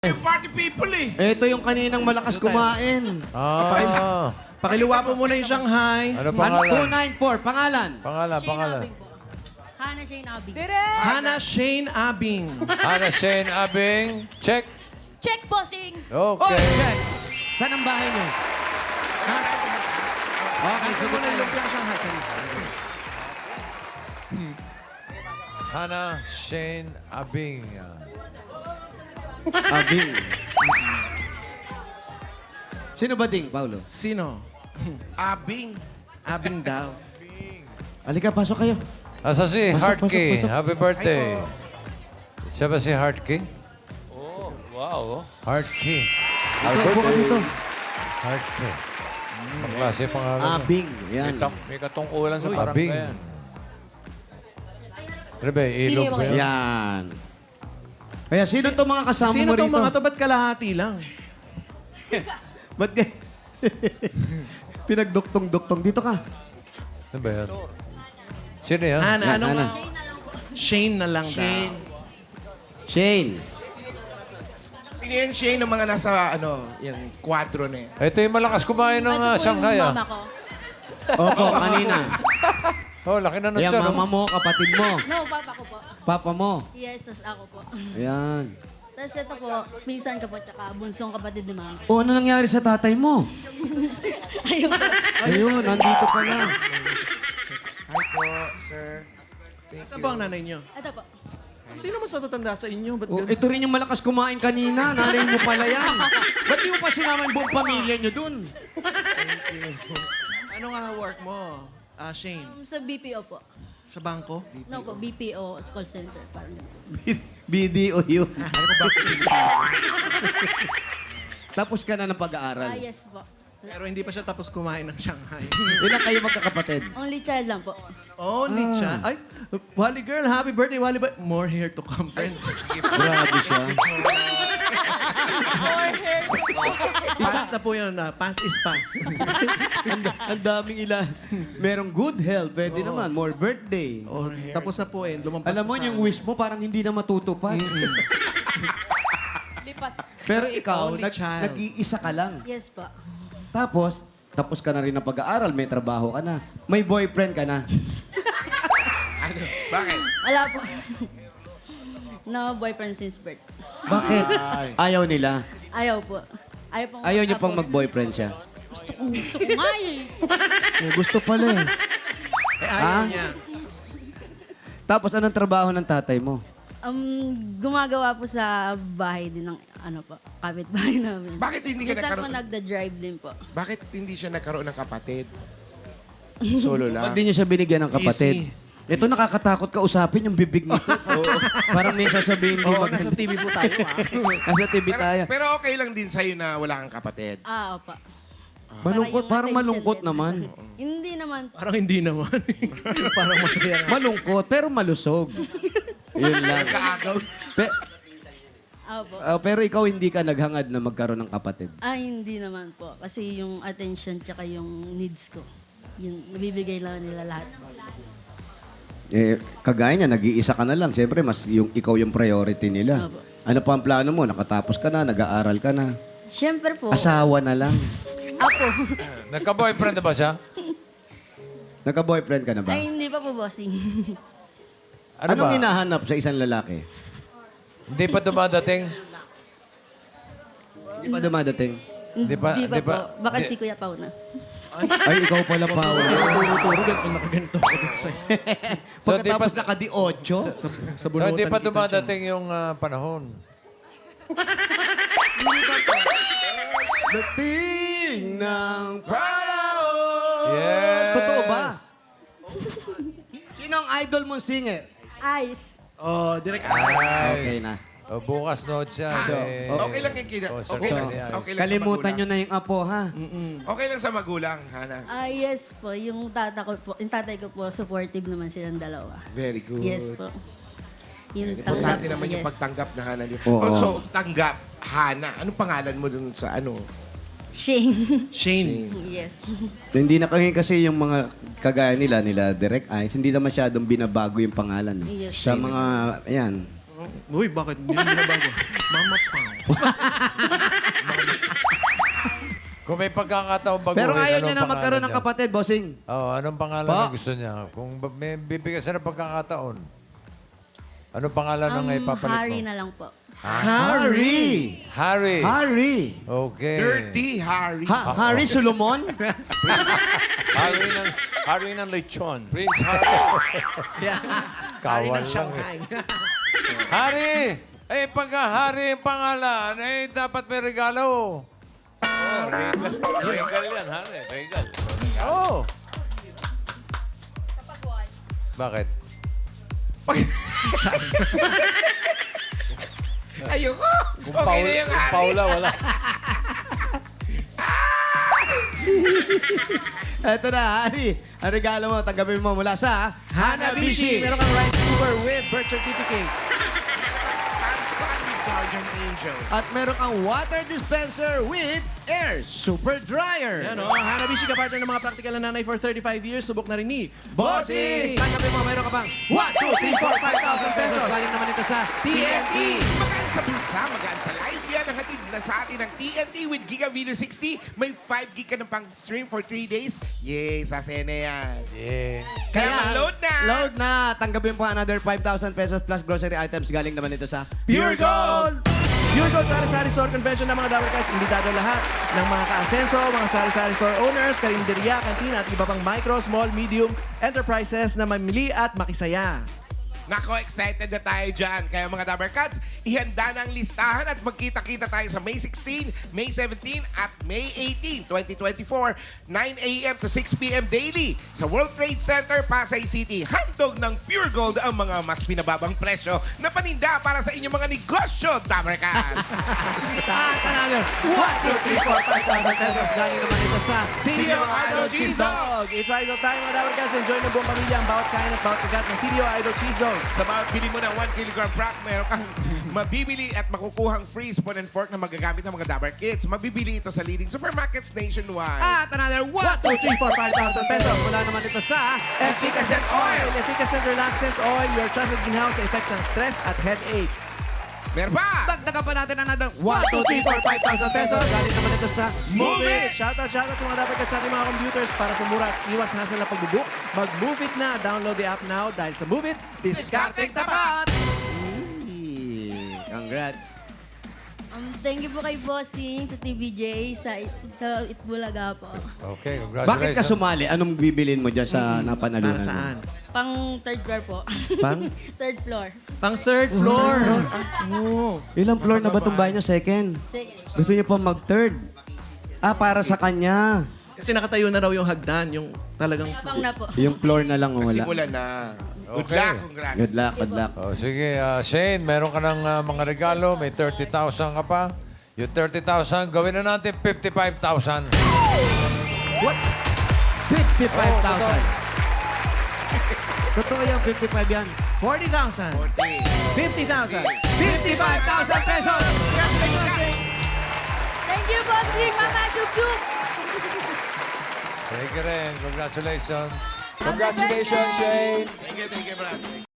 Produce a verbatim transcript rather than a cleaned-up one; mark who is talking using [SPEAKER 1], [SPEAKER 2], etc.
[SPEAKER 1] Yung party people eh.
[SPEAKER 2] Ito yung kaninang malakas kumain.
[SPEAKER 3] Ah.
[SPEAKER 4] Pakiluwa po muna yung Shanghai.
[SPEAKER 3] Ano
[SPEAKER 2] two
[SPEAKER 3] pangalan?
[SPEAKER 2] nine four, pangalan.
[SPEAKER 3] Pangalan,
[SPEAKER 5] Shane
[SPEAKER 3] pangalan.
[SPEAKER 5] Abing po. Hannah Shane Abing.
[SPEAKER 4] Hannah Shane Abing.
[SPEAKER 3] Hannah Shane Abing. Check.
[SPEAKER 5] Check bossing!
[SPEAKER 3] Okay.
[SPEAKER 2] check. Saan ang bahay niyo? Okay,
[SPEAKER 4] Nasa
[SPEAKER 2] sagot
[SPEAKER 4] muna
[SPEAKER 2] tayo.
[SPEAKER 4] yung lumpiang Shanghai. Chinese.
[SPEAKER 3] Hannah Shane Abing.
[SPEAKER 2] Abing. Sino ba ding, Paulo?
[SPEAKER 4] Sino?
[SPEAKER 1] Abing.
[SPEAKER 4] Abing daw.
[SPEAKER 2] Halika, pasok kayo.
[SPEAKER 3] Asa si
[SPEAKER 2] Pasok,
[SPEAKER 3] Heartkey.
[SPEAKER 2] pasok, pasok.
[SPEAKER 3] Happy birthday. Siya ba si Heartkey?
[SPEAKER 6] Oh, wow.
[SPEAKER 3] Heartkey.
[SPEAKER 2] Ito, upo ka dito.
[SPEAKER 3] Heartkey. Ang klase pangalan niya.
[SPEAKER 2] Abing. Yan.
[SPEAKER 6] May, tam- may katungkulan sa barangay
[SPEAKER 3] Abing.
[SPEAKER 6] yan.
[SPEAKER 3] Ano ba? Ilog ba yun?
[SPEAKER 2] Yan. Kaya sino
[SPEAKER 4] Si-
[SPEAKER 2] to mga kasama
[SPEAKER 4] Sino
[SPEAKER 2] mo rito?
[SPEAKER 4] tong mga to? Ba't kalahati lang?
[SPEAKER 2] Ba't ka? Pinagduktong-duktong. Dito ka.
[SPEAKER 3] Ano ba yan? Sino yan?
[SPEAKER 4] Hannah,
[SPEAKER 2] Yan,
[SPEAKER 4] ano
[SPEAKER 2] Hannah.
[SPEAKER 4] nga? Shane na lang
[SPEAKER 1] Shane.
[SPEAKER 2] Shane.
[SPEAKER 1] Sino yan Shane ng mga nasa ano, yung kwadro na yan?
[SPEAKER 3] Ito yung malakas kumain ng uh,
[SPEAKER 5] Ito po
[SPEAKER 3] Shanghai.
[SPEAKER 5] yung
[SPEAKER 3] Ah.
[SPEAKER 5] mama ko.
[SPEAKER 2] Opo, kanina.
[SPEAKER 3] Oh, laki na nun
[SPEAKER 2] Yan,
[SPEAKER 3] siya.
[SPEAKER 2] mama
[SPEAKER 3] no?
[SPEAKER 2] mo, kapatid mo,
[SPEAKER 5] No, papa ko po.
[SPEAKER 2] papa mo.
[SPEAKER 5] Yes, tas ako po.
[SPEAKER 2] Ayan.
[SPEAKER 5] Tapos ito po, minsan ko po, tsaka bunsong kapatid ni mama.
[SPEAKER 2] O, ano nangyari sa tatay mo?
[SPEAKER 5] Ayun po.
[SPEAKER 2] Ayun, nandito ka na.
[SPEAKER 1] Hi po, sir. Thank
[SPEAKER 4] Saan
[SPEAKER 1] you.
[SPEAKER 4] ba ang nanay niyo?
[SPEAKER 5] Ito po.
[SPEAKER 4] Sino mas natatanda sa inyo? Ba't
[SPEAKER 2] O,
[SPEAKER 4] ganun?
[SPEAKER 2] ito rin yung malakas kumain kanina. Nanay mo pala yan. Ba't di mo pa sinama yung buong pamilya nyo dun?
[SPEAKER 4] Ano nga work mo? Ah, Shane?
[SPEAKER 5] Um, Sa B P O po.
[SPEAKER 4] Sa bangko?
[SPEAKER 5] No po, B P O, call center. Parang
[SPEAKER 2] B D O yun. Tapos ka na ng
[SPEAKER 5] Ah,
[SPEAKER 2] pag-aaral.
[SPEAKER 5] yes po.
[SPEAKER 4] Pero hindi pa siya tapos kumain ng Shanghai.
[SPEAKER 2] Ilan kayo magkakapatid?
[SPEAKER 5] Only child lang po.
[SPEAKER 4] Only
[SPEAKER 2] Ah.
[SPEAKER 4] siya. Ay, Wally girl, happy birthday, Wally boy. More here to come, friends.
[SPEAKER 2] Grabe siya.
[SPEAKER 4] Past na po yun. ah. Past is past.
[SPEAKER 2] Ang, ang daming ilan. Merong good health, pwede naman. More birthday.
[SPEAKER 4] Oh, tapos na po eh. Lumampas
[SPEAKER 2] Alam mo,
[SPEAKER 4] na sa
[SPEAKER 2] yung
[SPEAKER 4] amin.
[SPEAKER 2] wish mo parang hindi na matutupad.
[SPEAKER 5] Lipas.
[SPEAKER 2] Pero ikaw,
[SPEAKER 4] Only
[SPEAKER 2] nag,
[SPEAKER 4] child.
[SPEAKER 2] nag-iisa ka lang.
[SPEAKER 5] Yes po.
[SPEAKER 2] Tapos, tapos ka na rin ng pag-aaral, may trabaho ka na. May boyfriend ka na.
[SPEAKER 1] Ano? Bakit?
[SPEAKER 5] Wala po. No boyfriend since birth.
[SPEAKER 2] Bakit? Ayaw nila.
[SPEAKER 5] Ayaw po. Ayaw po.
[SPEAKER 2] Ayaw niyo pang mag-boyfriend siya.
[SPEAKER 5] Gusto ko, gusto ko nga eh.
[SPEAKER 2] Eh, gusto pala eh.
[SPEAKER 4] Eh, ayaw
[SPEAKER 2] Ah?
[SPEAKER 4] niya.
[SPEAKER 2] Tapos, anong trabaho ng tatay mo?
[SPEAKER 5] Um, gumagawa po sa bahay din ng ano po, kapitbahay namin.
[SPEAKER 1] Bakit hindi ka
[SPEAKER 5] Minsan po
[SPEAKER 1] nagkaroon?
[SPEAKER 5] nagda-drive din po.
[SPEAKER 1] Bakit hindi siya nagkaroon ng kapatid? Solo lang.
[SPEAKER 2] Ba't di niyo siya binigyan ng kapatid?
[SPEAKER 4] Easy.
[SPEAKER 2] Ito nakakatakot ka usapin yung bibig nito. Parang may sasabihin di
[SPEAKER 4] Oo,
[SPEAKER 2] maganda.
[SPEAKER 4] nasa T V po tayo ah.
[SPEAKER 2] Nasa T V
[SPEAKER 1] Pero,
[SPEAKER 2] tayo.
[SPEAKER 1] pero okay lang din sa'yo na wala kang kapatid.
[SPEAKER 5] Ah, opa.
[SPEAKER 2] Malungkot,
[SPEAKER 5] Para
[SPEAKER 2] parang
[SPEAKER 5] yung
[SPEAKER 2] malungkot
[SPEAKER 5] attention
[SPEAKER 2] naman.
[SPEAKER 5] din. Hindi naman.
[SPEAKER 4] Parang hindi naman. Parang masaya nga.
[SPEAKER 2] Malungkot, pero malusog. Yun lang.
[SPEAKER 1] Kaagaw.
[SPEAKER 2] Pe-
[SPEAKER 5] Opo.
[SPEAKER 2] ah, pero ikaw hindi ka naghangad na magkaroon ng kapatid.
[SPEAKER 5] Ah, hindi naman po. Kasi yung attention tsaka yung needs ko. Yun, nabibigay lang nila lahat.
[SPEAKER 2] Eh, kagaya niya, nag-iisa ka na lang. Siyempre, mas yung, ikaw yung priority nila.
[SPEAKER 5] Opo.
[SPEAKER 2] Ano pa ang plano mo? Nakatapos ka na, nag-aaral ka na.
[SPEAKER 5] Siyempre po.
[SPEAKER 2] Asawa na lang.
[SPEAKER 5] Ako.
[SPEAKER 3] Nagka-boyfriend na ba siya?
[SPEAKER 2] Nagka-boyfriend ka na ba?
[SPEAKER 5] Ay, hindi pa po bossing.
[SPEAKER 3] Ano
[SPEAKER 2] Anong
[SPEAKER 3] ba?
[SPEAKER 2] hinahanap sa isang lalaki?
[SPEAKER 3] Hindi pa dumadating?
[SPEAKER 2] Hindi pa dumadating.
[SPEAKER 3] Hindi pa-
[SPEAKER 5] Hindi pa,
[SPEAKER 3] hindi pa-
[SPEAKER 5] po. Baka
[SPEAKER 3] di-
[SPEAKER 5] si Kuya Pao na.
[SPEAKER 2] Ay, ikaw pala, Paul.
[SPEAKER 4] Turo-turo, ganito nakaganto ako dito sa'yo.
[SPEAKER 3] So, di pa,
[SPEAKER 2] Pagkatapos naka-di ocho,
[SPEAKER 4] Sa, sa
[SPEAKER 3] so,
[SPEAKER 4] bunutan
[SPEAKER 3] hindi pa
[SPEAKER 4] kita
[SPEAKER 3] dumadating yung ah, panahon.
[SPEAKER 2] dating ng panahon.
[SPEAKER 3] Yes!
[SPEAKER 2] Totoo ba? Sino ang idol mong singer?
[SPEAKER 5] Ice.
[SPEAKER 4] dyan. Oh, direct.
[SPEAKER 2] Okay na.
[SPEAKER 3] O, bukas nood siya. eh,
[SPEAKER 1] Okay lang yung kina.
[SPEAKER 3] concert
[SPEAKER 1] Okay lang.
[SPEAKER 3] ni Ice.
[SPEAKER 1] Okay lang sa
[SPEAKER 2] Kalimutan
[SPEAKER 1] magulang.
[SPEAKER 2] nyo na yung apo, ha?
[SPEAKER 1] Okay lang sa magulang, Hana.
[SPEAKER 5] Ah, yes po. Yung tata ko po, yung tatay ko po, supportive naman silang dalawa.
[SPEAKER 1] Very good.
[SPEAKER 5] Yes po. Yung
[SPEAKER 1] Importante
[SPEAKER 5] tanggap,
[SPEAKER 1] naman yung
[SPEAKER 5] yes.
[SPEAKER 1] pagtanggap na Hana.
[SPEAKER 2] Oo.
[SPEAKER 1] Also, tanggap, Hana. Anong pangalan mo dun sa ano?
[SPEAKER 5] Shane.
[SPEAKER 4] Shane.
[SPEAKER 5] yes.
[SPEAKER 2] Hindi na kasi kasi yung mga kagaya nila, nila Direct Eyes, hindi na masyadong binabago yung pangalan. eh.
[SPEAKER 5] Yes.
[SPEAKER 2] Sa mga, ayan,
[SPEAKER 4] Uy, bakit? Hindi mo binabago. Mama Pao.
[SPEAKER 3] Kung may pagkakataon baguhin,
[SPEAKER 2] Pero ayaw
[SPEAKER 3] anong
[SPEAKER 2] niya na magkaroon ng
[SPEAKER 3] pangalan
[SPEAKER 2] kapatid, bossing.
[SPEAKER 3] niya? Oo, anong pangalan
[SPEAKER 2] Pa.
[SPEAKER 3] na gusto niya? Kung ba- may bibigyan siya ng pagkakataon, anong pangalan
[SPEAKER 5] Um,
[SPEAKER 3] ng ipapalit mo?
[SPEAKER 5] Harry na lang po.
[SPEAKER 2] Harry!
[SPEAKER 3] Harry.
[SPEAKER 2] Harry!
[SPEAKER 3] Okay.
[SPEAKER 1] Dirty Harry.
[SPEAKER 2] Ha- Harry Solomon?
[SPEAKER 6] Harry ng, Harry ng lechon.
[SPEAKER 3] Prince Harry.
[SPEAKER 4] Yeah.
[SPEAKER 3] Kawal lang eh. Harry! Eh, pagka Harry ang pangalan, eh, dapat may regalo.
[SPEAKER 6] Oh, regal. Regal yan, Harry. Regal.
[SPEAKER 3] Oo. Oh. Bakit?
[SPEAKER 1] Ayoko.
[SPEAKER 3] Kung
[SPEAKER 1] Okay
[SPEAKER 3] Paul,
[SPEAKER 1] na yung
[SPEAKER 3] kung
[SPEAKER 1] Harry.
[SPEAKER 3] Paula, wala.
[SPEAKER 2] Eto na, Harry. Ang regalo mo, tanggapin mo mula sa
[SPEAKER 4] Hanabishi! Meron kang rice cooker with birth certificate.
[SPEAKER 1] Guardian Angel.
[SPEAKER 2] At meron kang water dispenser with air super dryer.
[SPEAKER 4] Yan o, Hanabishi ka partner ng mga practical na nanay for thirty-five years. Subok na rin ni
[SPEAKER 2] Bossing! Tanggapin mo, meron ka bang one, two, three, four, five thousand pesos. Galing naman ito sa
[SPEAKER 1] T N T! Magaan sa bulsa, magaan sa life. Yan ang hatid na sa atin ng T N T with Giga Video sixty. May five gig ka ng pang-stream for three days. Yay, sa sene yan.
[SPEAKER 3] Yeah.
[SPEAKER 1] Kaya mag-load na!
[SPEAKER 2] Load na! Tanggapin po another five thousand pesos plus grocery items. Galing naman ito sa
[SPEAKER 4] Pure Gold! Pure Gold Sari-Sari Store Convention ng mga Dabber Cats. Imbitado lahat ng mga ka-asenso, mga Sari-Sari Store owners, karinderya, kantina at iba pang micro, small, medium enterprises na mamili at makisaya.
[SPEAKER 1] Nako, excited na tayo dyan. Kaya mga Dabber Cats, ihanda na ang listahan at magkita-kita tayo sa May sixteen, May seventeen at May eighteen, twenty twenty-four, nine a m to six p m daily sa World Trade Center, Pasay City. Handog ng Pure Gold ang mga mas pinababang presyo na paninda para sa inyong mga negosyo, Dabber Cats.
[SPEAKER 2] At another one, two, three, four, five thousand pesos. Galing naman ito sa
[SPEAKER 4] C D O Idol Cheese Dog! It's Idol time mga Dabber Cats. Enjoy ng buong pamilya ang bawat kain at bawat kagat ng C D O Idol Cheese Dog.
[SPEAKER 1] Sa bawat bili mo ng one kilogram pack, meron kang mabibili at makukuhang free spoon and fork na magagamit ng mga Dabber Kids. Mabibili ito sa leading supermarkets nationwide.
[SPEAKER 2] At another one, two, three, four, five thousand pesos. Mula naman ito sa
[SPEAKER 1] Efficacent Oil!
[SPEAKER 4] Efficacent Relaxant Oil, your trusted greenhouse sa effects ng stress at headache.
[SPEAKER 1] Meron pa!
[SPEAKER 2] Dagdagan pa natin another one, two, three, four, five thousand pesos. Galing naman ito sa
[SPEAKER 1] Move It!
[SPEAKER 4] Shoutout, shoutout sa mga Dabber Cats sa ating mga computers para sa mura at iwas hassle na pagbubook. Mag-Move It na. Download the app now dahil sa Move It, discarding tapat!
[SPEAKER 2] Eee, Congrats.
[SPEAKER 5] Um, thank you po kay Bossing sa T V J, sa, sa Itbulaga po.
[SPEAKER 3] Okay,
[SPEAKER 2] Bakit
[SPEAKER 3] congratulations.
[SPEAKER 2] ka sumali? Anong bibilin mo dyan sa napanalunan
[SPEAKER 4] Para
[SPEAKER 2] mo?
[SPEAKER 4] saan?
[SPEAKER 5] Pang third floor po.
[SPEAKER 2] Pang?
[SPEAKER 5] third floor.
[SPEAKER 4] Pang third floor. Oh.
[SPEAKER 2] Ilang floor na ba itong bahay niyo? Second.
[SPEAKER 5] Second.
[SPEAKER 2] Gusto niyo pa mag-third? Ah, para sa kanya.
[SPEAKER 4] Kasi nakatayo na raw yung hagdan, yung talagang...
[SPEAKER 5] Pang na po.
[SPEAKER 2] Yung floor na lang wala.
[SPEAKER 1] Simulan na. Good
[SPEAKER 3] Okay.
[SPEAKER 1] luck, congrats.
[SPEAKER 2] Good luck, good luck.
[SPEAKER 3] Oh, sige, ah, Shane, meron ka ng ah, mga regalo. May thirty thousand ka pa. Yung thirty thousand, gawin na natin fifty-five thousand.
[SPEAKER 2] fifty-five thousand. Totoo yung fifty-five yan.
[SPEAKER 4] forty thousand.
[SPEAKER 1] forty.
[SPEAKER 4] fifty thousand.
[SPEAKER 2] fifty-five thousand pesos!
[SPEAKER 5] Thank you, Bossing! Mama Chuk Chuk!
[SPEAKER 3] Thank you rin. Congratulations.
[SPEAKER 5] Congratulations, Shane!
[SPEAKER 1] Thank you, thank you, brother.